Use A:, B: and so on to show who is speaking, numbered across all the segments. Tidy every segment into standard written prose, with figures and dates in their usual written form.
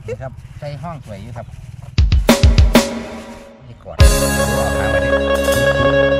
A: นี่ครับใช้ห้องสวยอยู่ครับนี่ก่อนหามาดิ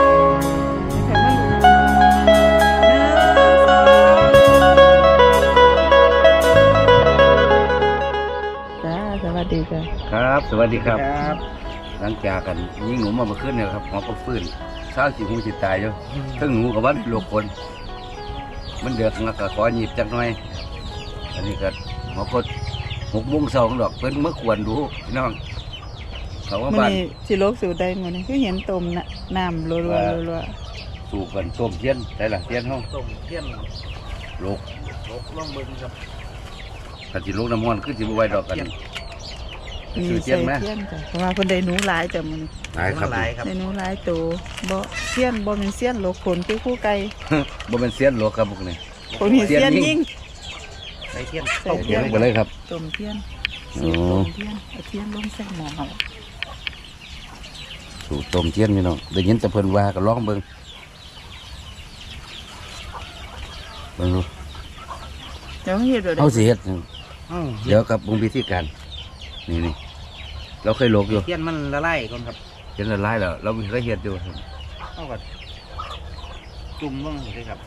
B: จ้าสวัสดีจ้ะ
C: ครับสวัสดีครับ
A: ครับ
C: หลังจากกันยิงหนูมาเมื่อคืนเนี่ยครับหมอก็ฟื้นเช้าสิหูสิตายอยู่ทั้งหนูกับวันโลกคน มันเดือดงักก็ขอหยิบจักหน่อย อันนี้ก็หมอก็6:02ดอกเพิ่นเมื่อควรดูพี่น้องเขาว่า
B: มื้อ
C: บ้าน
B: นี้สิโลกสู่ได้มื้อนี้คือเห็นต้มน่ะน้ำรัวๆ
C: สู่กันต้มเทียนใช่ล่ะเทียนห้อง
A: ต้มเทียน
C: โลก
A: ลกล่องเบิ้งครับ
C: กันสิโลกน้ำมันขึ้นสิบ่ไหวดอกกัน
B: ๆมี
C: ซื้อเที
B: ใส่
C: ยนไหม
B: เทียนจ้ะเพราะว่าเพิ่นได้หนูหลายจ้ะมื้อนี้
C: หลายครับ
A: หลายครับ
B: ได้หนูหลายโตบ่เทียนบ่แม่นเสี้ยนโลกขนคือคู่ไก่
C: บ่เป็นเสียนโลกครับพวกนี้
B: คนนี้
C: เสี้
B: เสี้
C: ย
B: ย
C: น
B: น
C: ยิ่
B: ยิ่
C: ง
B: ง
A: ใส่เทียน
B: ใส่
C: เอา
B: เที
C: เสี
B: ย
C: ย
B: น
C: งไปเลยครับ
B: ต้มเทียน
C: โอ้
B: สูตรต้มเทียนเอาเทียนลงใส่หม้อ
C: สู่ต้มเทียนพี่น้องได้ยินแต่เพิ่นว่าก็ลองเบิ่งเบิ่งดู
B: เดี๋ยวเฮ็ดแบบ
C: เฮาสิเฮ็ด
A: อ้าว
C: เดี๋ยวกับวงพิธีการนี่เราเคยโลกอยู่
A: เทียนมันละลายก่อนครับ
C: เห็นละลายแล้วเราเคยเฮ็ดอยู่ครับ
A: เอาก่อนจุ่มเบิ้งเลยครับ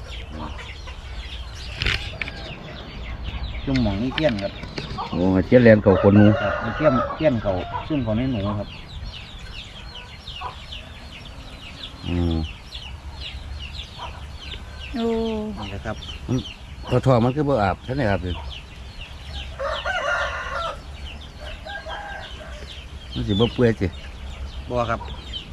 A: จุ่มหมองนี่เทียนครับ
C: โอ้เทียนแลนเขาคนหนู
A: ครับมีเทียนเขาซุ่มเขาในหนูครับ
C: อืม
B: โอ้
A: นี่แหละครับ
C: พอทอมันคือบ่อาบท่านได้อาบเลยมันสิบ่เปื่อยสิ
A: บัวครับ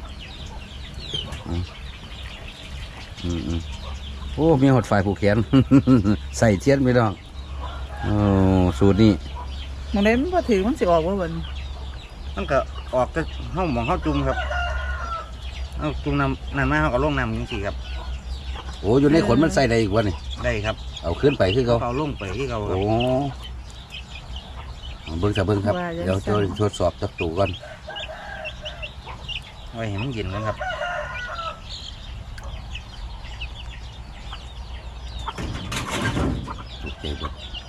C: โอ้มีหดฝ่ายผูกแขน ใส่เทียนไปน้องโอ้สูตรนี้
B: มื้อใดมันบ่ถือมันสิออกบ่บัดนี้
A: มันก็ออกก็ห้องหมองห้าจุ่มครับเอาจุ่มน้ำมาเขาก็ลงน้ำจริงๆครับ
C: โอ้อยู่ในขนมันใส่ได้อีกวะนี่
A: ได้ครับ
C: เอาขึ้นไปคือเขา
A: เขาลงไปที่เขาครับ
C: โอ้เบิ่งซะเบิ่งครับ เดี๋ยวจะทดสอบจักตูก่อน
A: ไว้เห็นมันเย็นกันครับ
C: โอเคเบิ่ง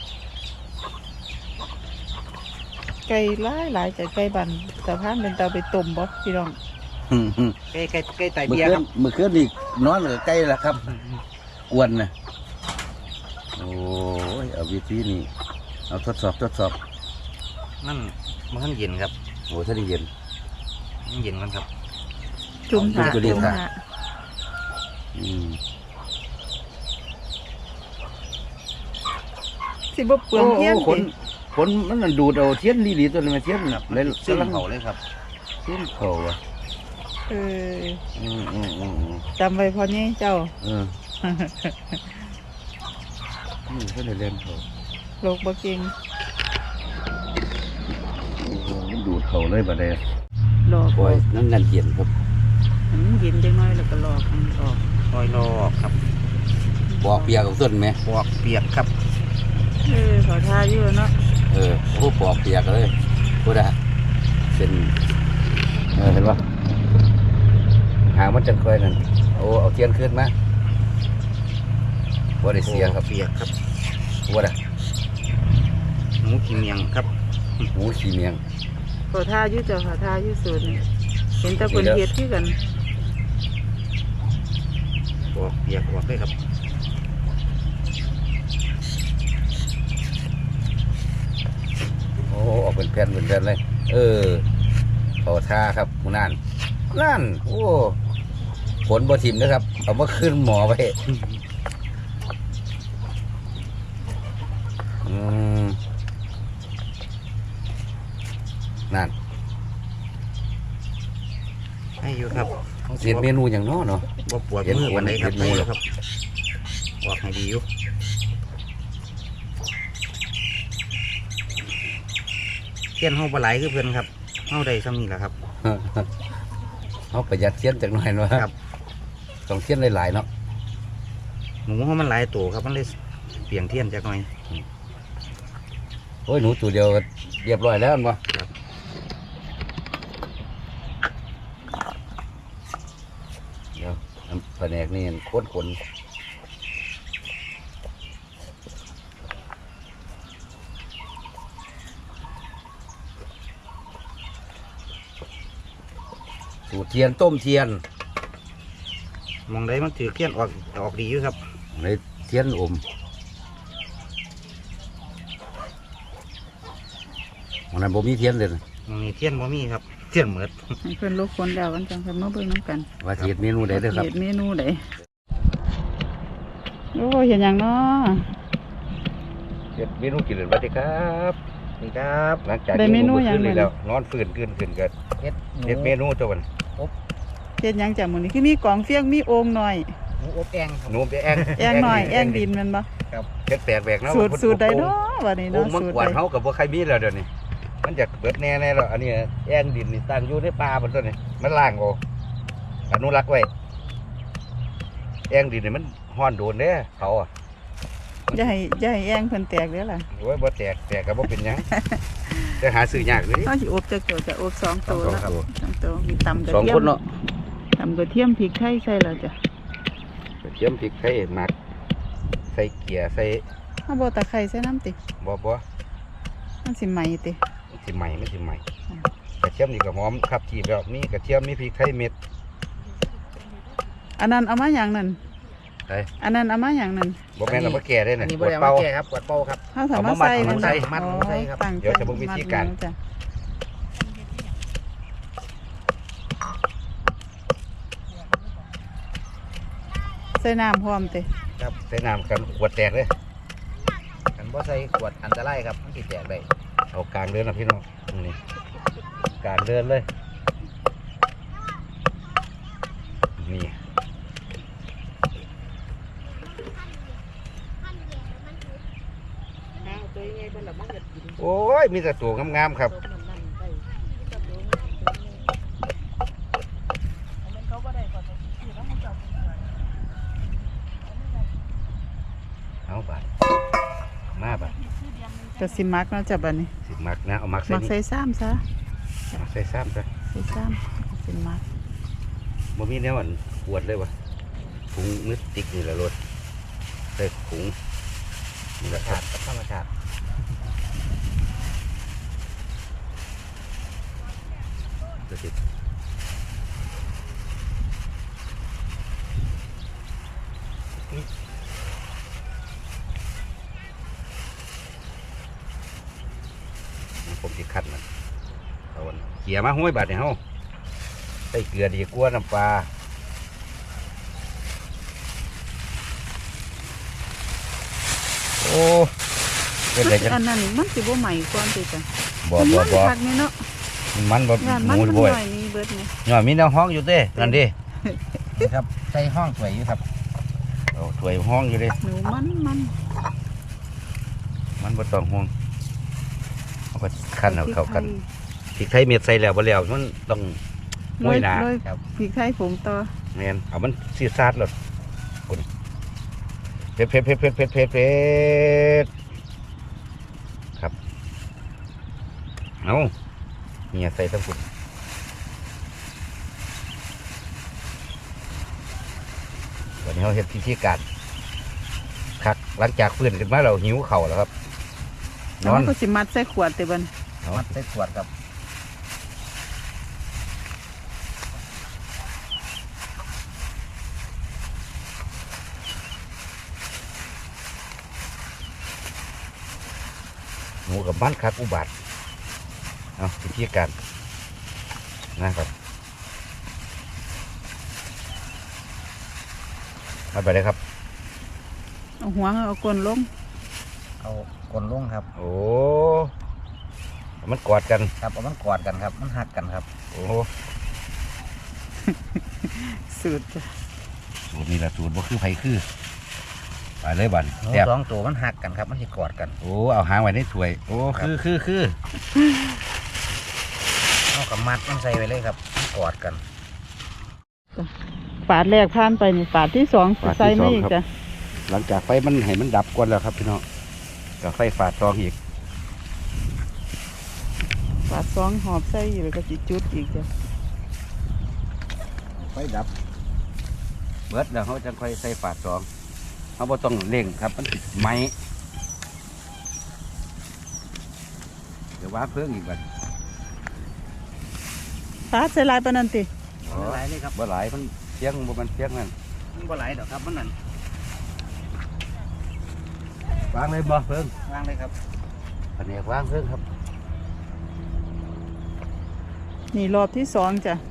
B: ไก่หลายจ้ะไก่บันสะพานเป็นตาไปต้มบ่พี่น้อง
A: ใกล้ไต
C: เมื่อ
A: เบียร์
C: คื
A: คน รับ
C: เมื่อคืนนี่นอนกับใกล้แล้วครับกวนนะโอ้ยเอาวิธีนี้เอาทดสอบ
A: มันเย็นครับ
C: โอ้ถ้าได้เย็น
A: มันเย็นกันครับ
B: จุ่มถา
C: จุ่มตัวนี้
B: จุ่ม
C: ค่ะ
B: ถา
C: อืม
B: สิบ่เปลืองเทียน
C: ขนขนมันนะดูดเอาเทียนดีๆตัวนี้มาเทียนน่ะเลย
A: ซึ่ง
C: กำลัง
A: เขาเลยครับ
C: เทียนเขาอ่ะ
B: เออ
C: อืม
B: จำไว้พอนี้เจ้า
C: เออนี่ก็ได้เล่นเขา
B: โลกบ่เก่ง
C: โอ้โหมันดูดเขาเลยบัดนี้
B: หลอก
C: โอ้ยนั่นงันเย็นครับ
B: มันเย็นจังน้อยแล้วก็หลอกมันออก
A: คอยรอครับ
C: ปอกเปียกของต้นไหม
A: ปอกเปียกครับ
B: ขอทาอยู่เนาะ
C: โอ้ปอกเปียกเลยพูดได้เป็นเห็นปะหางมันจะค่อยนั่นโอ้เอาเทียนขึ้นมาว่าได้เสียครับ
A: เปียกครับ
C: ว่าได้
A: หมูกินเมียงครับ
C: หมูขี้เมียง
B: ขอทาอยู่เจ้าขอทาอยู่สูตรนี่เห็นแต่คนเฮ็ดคือกัน
A: ปอกเปียกปอกเลยครับ
C: โอ้ออกเป็นแผ่นเลย เขาท่าครับหมูนั่นโอ้ผลบ่ทิมนะครับเอามาขึ้นหมอไปนั่น
A: ให้อยู่ครับ
C: เสียเมนูอย่างน้อเนาะ
A: บ่ปวดมือวันไหนครับ
C: เห็นหมู
A: ให้อ
C: แล้
A: ยู่
C: ว
A: ครับปอกให้ดีอยู่เทียนเฮาปลาไหลคือเพื่อนครับเฮาได้ซ้ำนี่แหละครับ
C: เขาประหยัดเทียนจากหน่อยเนาะ
A: ครับ
C: ต้องเทียนหลายๆเนาะ
A: หมูเฮามันหลายตัวครับมันเลยเปลี่ยนเทียนจากหน่อย
C: โอ้ยหนูตัวเดียวก็เรียบร้อยแล้วมั้งเดี๋ยวน้ำแผนกนี่ข้นสูตรเทียนต้มเทียน
A: มองได้มันถือเทียนออกดีอยู่ครับ
C: ในเทียนอมวันนั้นบ่มีเทียนเลย
A: มองนี่เทียนบ่มีครับเทียนเหมือด
B: ให้เพิ่นลกคนแล้วกันจังเพิ่นมาเบิ่งน้ำกัน
C: ว่าสิเฮ็ดเมนูใดเด้อครับ
B: เฮ็ดเมนูใดโอ้เห็นหยังเนาะ
C: เฮ็ดเมนูกินเลยสวัสดีครับ
A: นี่ครับ
C: หลังจาก
B: ได้เมนู
C: กิ
B: หยัง
C: มื้อคืน
B: มื้อ
C: แล้วนอนฟื้นขึ้นก็
A: เฮ็ด
C: เฮ็ดเมนูตัวมัน
B: เฮ็ดหยังจ้ะมื้อนี้คือมีกล่องเฟียงมีโอ่งหน่อย
A: หมูอบแองครับ
C: หนูไปแอง
B: แอ่งหน่อยแอ่งดินแมันบ่
C: เฮ็ดแปลกแหวกเนาะ
B: สูตรใดเนาะบัดนี้
C: โอ้
B: เนาะ
C: มัง
B: สูตร
C: กว
B: ใด
C: นเฮากับบ่ใครมีแล้วเดี๋ยวนี้มันจะเบิดแน่แล้วอันนี้แอ่งดินนี่ตั้งอยู่ในป่าบนต้นนี่มันล่างโออนุรักษ์ไว้แอ่งดินนี่มันฮ้อนโดนเด้เขาอ่ะ
B: อย่าให้แอ่งเพิ่นแตกเด้อล่ะ
C: โอ้ยบ่แตกก็บ่เป็นหยังจะหาซื้อยากเลย
B: เฮาสิอบจักตัวจะอบ2ตัว
C: สอง
B: เนาะ
C: ครับ
B: 2ตัวมีตำกระ
C: สอง
B: เทีย
C: ค
B: ม
C: นเนาะ
B: ตำกระเทียมพริกไทยใส่แล้วจ้ะ
C: กระเทียมพริกไทยหมักใส่เกียร์ใส่
B: เฮาบ่ตะไคร้ใส่น้ำติ
C: บ่
B: มันสิไหม้ติ
C: มันสิใหม่กระเทียมนี่ก็หอมครับที่แบบมีกระเทียมมีพริกไทยเม็ด
B: อันนั้นเอามาหยังนั่น
C: ไอ้
B: อันนั้นเอามาหยังนั่น
C: บ่แม่นเอามาแก่ได้
A: อั
C: น่ะ
A: นนี้
C: ก
A: บ่
C: ด
A: ได้
C: เป่า
A: มาแก่ครับกวดเป่าครับ
B: เฮาสามารถใส่
C: เอามามัด
A: มัดหมูใส่ครับ
B: ตั้ง
C: เดี๋ยวจะเบิ่งวิธีการ
B: มัดหมูจ้ะใส่น้ำพร้อมติ
C: ครับใส่น้ำกันขวดแตกเลย
A: กันบ่ใส่ขวดอันตรายครับมันสิแตกได้
C: เอากลางเดินนะพี่น้องนี่กลางเดินเลยนี่โอ้ยมีแต่ตัวงามๆครับเอาบาดมาบาด
B: ก็สิมักเนาะจ้ะบัดนี้
C: สิมักนะเอามักใส่
B: มัก
C: นี่
B: ใส่ซ้ำซะ
C: มักใส่ซ้ำซะ
B: ใส่ซ้ำสิมัก
C: บ่มีแนวอันขวดเลยวะถุงมือติ๊กนี่แหละรถใส่ถุงนี่แหละครับ
A: ธรรมชาติ
C: จะติดผมจะคัดมันเอาอันเขี่ยมาห้วยบาดเนี่ยเฮาใส่เกลือดีกว่าน้ำปลาโอ้เป็นไรกัน
B: อันนั้นมันสิบ่ใหม่ก่อนติจ้ะ
C: บ่
B: มัน
C: บ่
B: คักนี่เนาะ
C: มันบ่
B: งาน
C: ห
B: มัน
C: มู
B: มันห
C: บ่อย
B: น่อยนี่เบิดนี่
C: ย่อมีแนวห้องอยู่เด้นั่นดิ
A: นี่ครับใส่ห้องสวยอยู่ครับ
C: เอาถ้วยห้องอยู่เด้
B: หนูมัน
C: มันบ่ต้องห่วงเอาก็คั่นเอาเข้ากันพริกไทยเม็ดใส่แล้วบ่แล้วมันต้อง ห้วยหนา
B: โรยพริกไทยผงต่อ
C: แม่นเอามันซีดซาดเลยคุณเผ็ดครับเอาเนี่ยใส่ทั้งคุณวันนี้เราเห็นพิธีการคักหลังจากฟื้นขึ้นมาเราหิวเข่าวแล้วครับน
B: แล้ว
C: อน
B: มันก็สิมัดใส่ขวดติบัด
C: เอา
A: มัดใส่ขวดครับ
C: หมูกับบ้านคักอุบาทเอาพิธีการนะครับเอาไปเลยครับ
B: เอาหัวเอาก้นลง
A: เอากลนลงครับ
C: โอ้มันกอดกัน
A: ครับเอามันกอดกันครับมันหักกันครับ
C: โอ้
B: สูตรจ้ะ
C: สูตรนี้ละสูตรบ่คือไผคือไปเลยบัน
A: หนู
C: แซ่บ
A: สองตัวมันหักกันครับมันสิกอดกัน
C: โอ้เอาหางไว้ในถ้วย โอ้คือ
A: เอากับมัดมันใส่ไว้เลยครับมันกอดกัน
B: ฝาดแรกผ่านไปนี่ฝาดที่สองใส่ไม่อีกจ้ะ
C: หลังจากไฟมันให้มันดับก่อนแล้วครับพี่น้องกับไฟฝาดซองอีก
B: ฝาดสองหอบใส่อยู่แล้วก็สิจุดอีกจ้ะ
C: ไฟดับเบิดแล้วเขาจะค่อยใส่ฝาดซองเขาบ่ต้องเร่งครับมันติดไหมเดี๋ยวว่าเพิ่งอีกบัด
B: ฝาดใส่ลายปานนั้นติ
C: บ
A: มันหลายเลยครับ
C: บ่หลายมันเสียงบ่มันเสียงนั่น
A: มันบ่หลายดอกครับมันนั่น
C: วางเลยบ่เพิ่ง
A: วางเลยครับ
C: แผนกวางเพิ่งครับ
B: นี่รอบที่สองจ้ะ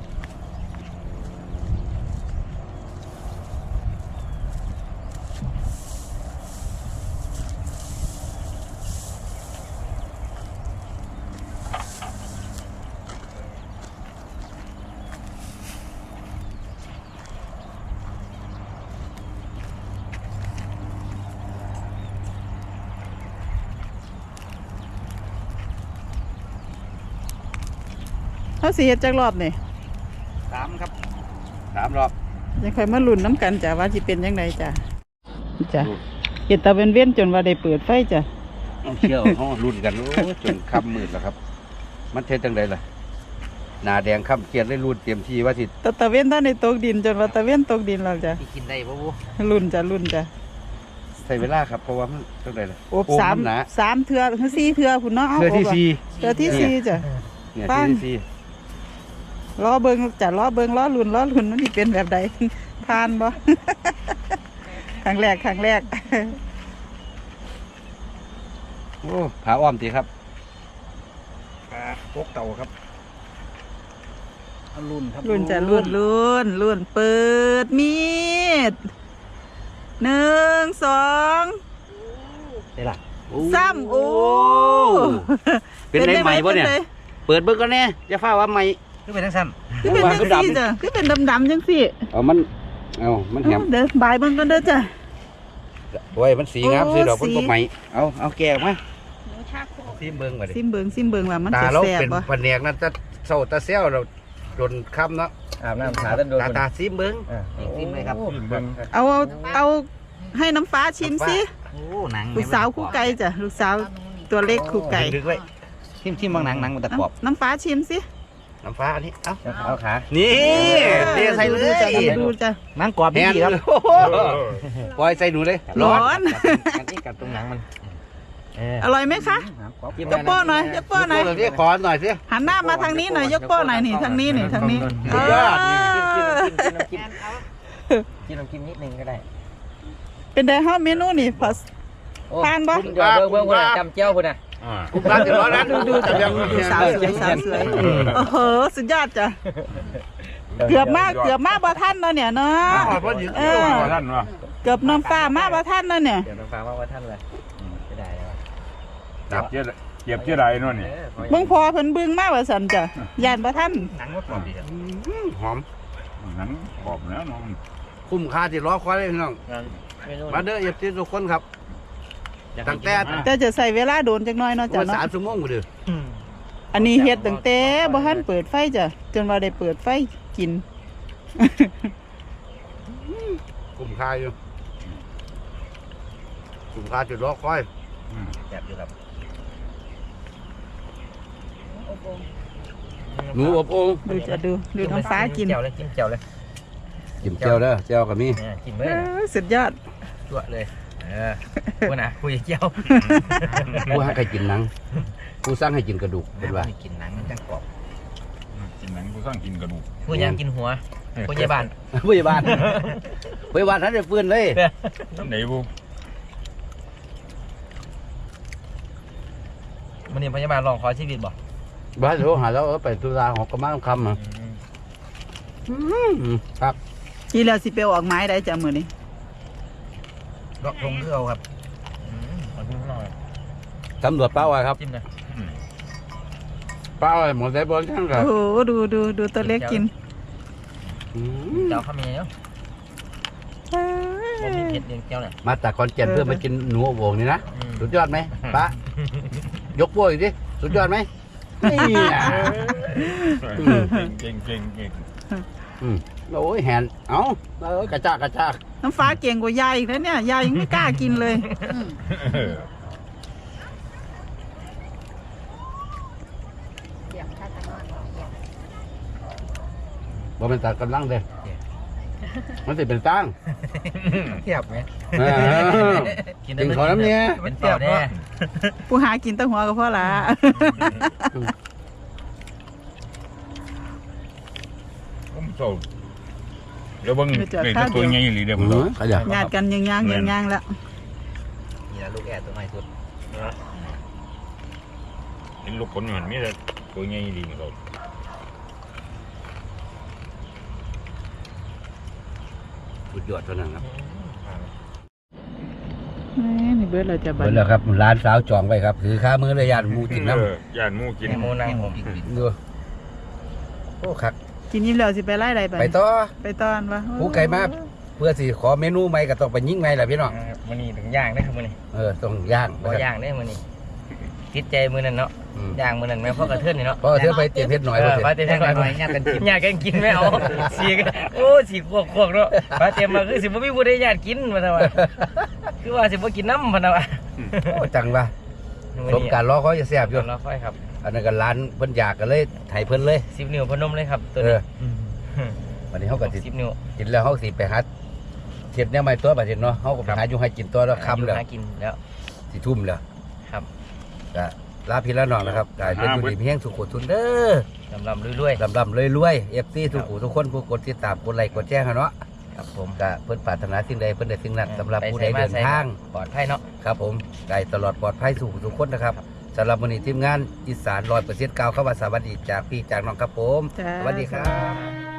B: เขาสิเฮ็ดจักรอบนี่
A: 3ครับ
C: 3 รอบ
B: ยังค่อยมาลุ้นน้ำกันจ้ะว่าสิเป็นยังไงจ้ะจ้ะเฮ็ดตาเว้นๆจนว่าได้เปิดไฟจ้ะ
C: เอาเชี่ยวเฮารุ่นกันโอ้จนค่ำมืดแล้วครับ มันเท็ดจังไดล่ะหน้าแดงค่ำเกียดเลยรุ่นเตรียมที่ว่าสิ
B: ตะเว้นท่านในตกดินจนว่าตะเว้นตกดินแล้วจ้ะ
A: ที่กินได้บ่บู
B: ลุ้นจ้ะลุ้นจ้ะ
C: ใส่เวลาครับเพราะว่ามันจังไดล่ะ
B: โอบ
C: โอ้
B: สาม
C: นหนา
B: สามเทือคือสี่เทือพุ่นเนาะเอา
C: เทื่อที่
B: โบะ
C: สี่
B: เทือที่สี่จ้ะ
C: เนี่ย
B: ปั้
C: เทื่
B: น
C: อที่สี่
B: ล้อเบิงจ้ะล้อเบิงล้อลุ่นมันสิเป็นแบบใด ผ่านบ่ ครั้งแรก
C: โอ้ผาอ้อมติครับ
A: ปกเต่าครับเอารุ่นครับ
B: ลุ่นจ้ะลุ่นเปิดมีด1 2
A: ได้ล่ะ
B: 3โอ้
C: เป็นได้ใหม่บ่เนี่ย
B: ป็
C: เปิดเบิ่งก่อนแน่อย่าฟ้าว่าใหม่
A: คือเป็นทั้งสั้น
B: นเป็นจังซี่จ้ะคือเป็นดำๆจังซี่
C: มันแหม
B: เดี๋ยวบายเบิ่งกันเด้อจ้ะ
C: โอ้ยมันสีงาม
B: โอ้
C: สีดอกมัน
B: สี
C: บ่ใหม่เอาแก้ออกมาซิมเบิ่งมาดิ
B: ซิมเบิงว่ามัน
C: ตา
B: สิ
C: เรา
B: แซ่บ
C: เป็น
B: บ่
C: แผนกนั้นจะเศร้าตาเซลเราโดนค่ำเนาะ
D: อาบน้ำขาตันโดน
C: ตาซิมเบิ่ง
A: ซิมเลยครับ
D: เบิ่ง
B: เอาให้น้ำฟ้าชิมสิ
A: โอ้หนัง
B: ลูกสาวคู่ไก่จ้ะลูกสาวตัวเล็กคู่ไก่
A: ดึกไว้ทิมบางหนังมันตะกรอบ
B: น้ำฟ้าชิมสิ
C: น้ำฟ้าอันนี้เอ้า
D: เอาขา
C: นี่เทใส่เลย
B: ดูจ้ะ
A: หนังกรอบ
C: แห
A: ดี
C: น
A: ครับ
C: โอ้โหปล่อยใส่หนูเลย
B: ร้อน
D: กันที่กัดตรงหนังมัน
B: อร่อยไหมคะยกโป้หน่อยยกโป้หน่อย
C: เดี๋ยวขอหน่อยสิ
B: หันหน้ามาทางนี้หน่อยยกโป้หน่อยนี่ทางนี้นี่ทางนี้
C: สุดยอด
D: กินน้ำกินนิดนึงก็ได้
B: เป็นไดฮะเมนูนี่พอทานบ่
D: เดี๋ยวเบิ่งพุ่นจำเจ้าพุ่นน่ะ
C: คุณป้าจะร้อนนั้น
B: ดูจ้ะดูสาวสวยโอ้โหสุดยอดจ้ะเกือบมากบ่ทันเนาะเนี่ยเนาะเออ
E: ท่านวะ
B: เกือบน้ำฟ้ามาบ่ทันเนาะเนี่ย
D: เดี๋ยวน้ำฟ้าว่าท่านเลยจะได้แล้ว
E: เจ็บเจ๊ไรนู่นนี่
B: เบิ่งพอเพิ่นบึ้งมาว่าซั่นจ้ะย่านบ่ทัน
A: หนังก็กรอบดีครับ
C: หอม
E: นั้นขอบแล้วน้อง
C: คุ้มค่าที่รอคอยเลยพี่น้อง มาเด้อเอฟซีทุกคนครับตั้งแต่
B: แต่จะใส่เวลาโดนจักหน่อยเนาะจ้ะ
C: วัน
B: เนาะ
C: 3 ชั่วโมงกูเด้อ
B: อันนี้เฮ็ดตั้งแต่บ่ทันเปิดไฟจ้ะจนว่าได้เปิดไฟกิน
C: คุ้มค่าอยู่คุ้มค่าจุดรอคอย
A: แซ่บอยู่ครับ
C: หนูอบโอ่ง
B: ดูจะดูน้ำฟ้ากิน
D: เจียวเลยจิ้มเจียวเลย
C: จิ้มเจียวเด้อเจียวก็มี
D: กิน
B: เอ
D: เลย
B: อสุดยอด
D: จั่วเลยพุ่นน่ะคุยเจียว
C: ผู้ให้ใครกินหนังผู้สร้างให้กินกระดูกเป็นว่า
A: กินหนังมันจังกรอบ
E: กินหนังกูสร้างกินกระดูก
D: ผู้ยังกินหัวผู้ใหญ่บ้าน
C: พยาบาลพยาบาลท่านได้ฟื้นเลย
E: ไหนบู
D: มันนี่พยาบาลลองขอชีวิตบ่
C: บ้านโทรหาแล้วไปตุลาหอกกระมังคำอ่ะครับ
B: ทีแล้วสิไปออกไม้ได้จ้ะมื้อนี้
A: เลาะทงคือเอาครับ
D: มันพุ่งหน่อย
C: ตำรวจเป้าอะไรครับ
D: จิ้มเลย
C: เป้าอะไรหมดได้บอลช่างครับ
B: โอ้โหดูตัวเล็กกิน
D: เจียวข้าวเมียเนาะมันมีเผ็ดเลี้ยงเจียวเนี่ย
C: มาจากคอนแก่นเพื่อมากินหนูอบโอ่งนี่นะสุดยอดไหมป้ายกพวกอีกดิสุดยอดไหมนี่อ่ะ
E: เก่ง
C: โอ้ยแหนเอากระจาก
B: น้ำฟ้าเก่งกว่ายายอีกแล้วเนี่ยยายยังไม่กล้ากินเลย
C: บ่เป็นตากำลังเลยมันสิเป็นตั้ง
D: เทียบไหม
C: กินขอน้ำเนี่ย
D: เป็นเทียบแน่
B: ผู้หากินแตั้งหัวก็พอละ
C: บ
E: โซ่เดี๋ยวเบิ่งนี่ตัวใหญ่อีหลีเด้อมึง
C: ขยัน
B: ญาติกันย่างแล้ว
D: นี่ละลูกแอดตัวใหม่สุด
E: เห็นลูกคนมันมีแต่ตัวใหญ่อีหลีมึงโซ่
C: สุดยอดเท่านั้นครับ
B: นี่เบิดเราจะบั
C: เบิดแล้วครับร้านสาวจองไว้ครับถือค่ามือเลยยานหมูกินน้ำ
E: ย่านหมูกิน
D: ในโมนั่งผม
C: ดูโอ้คัก
B: กินยิ้มแล้วสิไปไล่ใดไป
C: ไปต่อ
B: ไปตอนวะ
C: ผู้ไก่มาเพื่อสิขอเมนูใหม่ก็ต้องไปยิงใหม่แหละพี่น้อง
D: มันนี่ถึงย่างได้ครับมันนี่
C: ต้องย่าง
D: บ่ย่างได้มันนี่ติดใจมือนั่นเนาะ
C: อืม
D: ย่างมือนั่นแม่พ่อกระเทือนนี่เนาะ
C: เพราะเธอไปเตรียมเพชรหน่อย
D: ปลา
C: เถ
D: เต็
C: อะ
D: มหน่อยย่างกันกินย่างกันกินไม่เอาสีกันโอ้สีขวกเนาะปลาเต็มมาคือสิบ่มีผู้ใดญาติกินมาซะว่าคือว่าสิบ่กินน้ำพะนะว่า
C: โอ้จังวะสมการรอเขาจะแซ่บอยู่
D: รอค่อยครับ
C: อันนั้นก็ร้านเพิ่นอยากกันเลยไถเพิ่นเลย
D: 10 นิ้วพนมเลยครับตัว
C: เอ
D: นี้
C: อวันนี้เขาก็สิ
D: 10 นิ้ว
C: กินแล้วเขาสิไปหาเทียบเนี่ยไม่ตัวบัดนี้เนาะเขาก็ไปหาอยู่ให้กินตัวแล้วค่ำแล้ว
D: หากินแล้ว
C: สิทุ่มแล้ว
D: ครับ
C: ก็ลาพี่ละน้องนะครับกลายเป็นอยู่ดีเพียงสุขุทุนเด้อ
D: ลำๆรวย
C: ลำรวยๆ FC ทุกผู้ทุกคนผู้กดติดตามกดไลค์กดแจ้งเนาะ
D: ๆครับผม
C: ก็เพิ่นปรารถนาสิ่งใดเพิ่นได้สิ่งนั้นสำหรับผู้ใดเดินทาง
D: ปลอดภัยเนาะ
C: ครับผมไก่ตลอดปลอดภัยสู่ทุกคนนะครับสำหรับวันนี้ทีมงานอีสาน100%กล่าวคำว่าสวัสดีจากพี่จากน้องครับผม
B: จ้า
C: สวัสดีครับ